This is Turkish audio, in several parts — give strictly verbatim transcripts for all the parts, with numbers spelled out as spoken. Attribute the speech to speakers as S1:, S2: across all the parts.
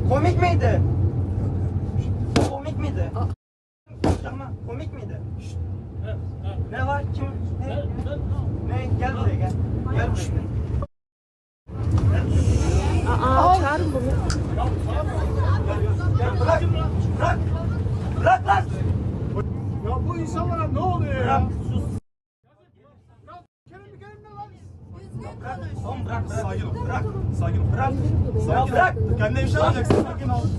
S1: Komik miydi? Komik miydi? Ama komik miydi? Ne var? Kim? Ne? Ne? Gel buraya gel. Gel buraya gel.
S2: Aa, çağırın bunu.
S1: Gel bırak. Bırak. Bırak lan.
S3: Ya bu insanlara ne oluyor ya?
S1: Bırak. Sus.
S3: Kerem gelin ne lan?
S1: Bırak. Oğlum bırak. Bırak.
S3: Sakin ol.
S1: Bırak.
S3: Sakin ol.
S1: Bırak.
S3: Sakin ol.
S1: Ya bırak.
S3: Kendine bir şey alacaksın. Sakin ol.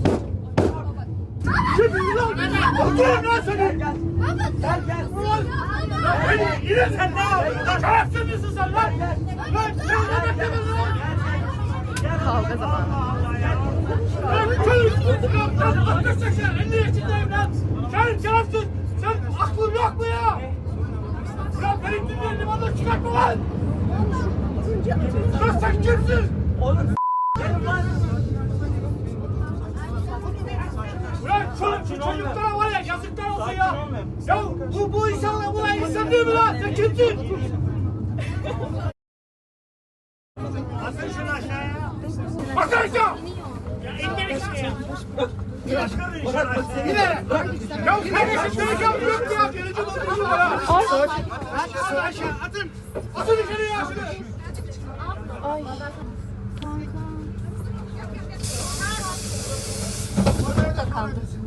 S3: Kim lan? Oturun lan seni.
S1: Gel gel. Gel gel.
S3: Beni yine sen ne yapıyorsun? Lan şerefsiz misin sen lan? Lan sen ne beklemedin lan?
S2: Kavga zamanı.
S3: Lan çocuk! Lan altmış seksen elli yaşındayım lan! Sen şerefsiz! Sen aklın yok mu ya? Ya benim dinleyen limandan çıkartma lan! Lan sen kimsin?
S1: Oğlum gelin lan.
S3: Ulan şu, şu çocuklara var ya yazıklar olsun ya! Ya bu, bu insanlar bu insan değil mi lan? Sen kimsin? Atın şunu aşağıya! Atın aşağı! Ya indir işte ya! Yine! Ya kardeşim telefon yok mu ya? Gelici doldurucu var ha! Aşağı aşağı atın! Atın içeriye şunu!
S2: Ay.
S3: Kanka.
S2: Kaldı.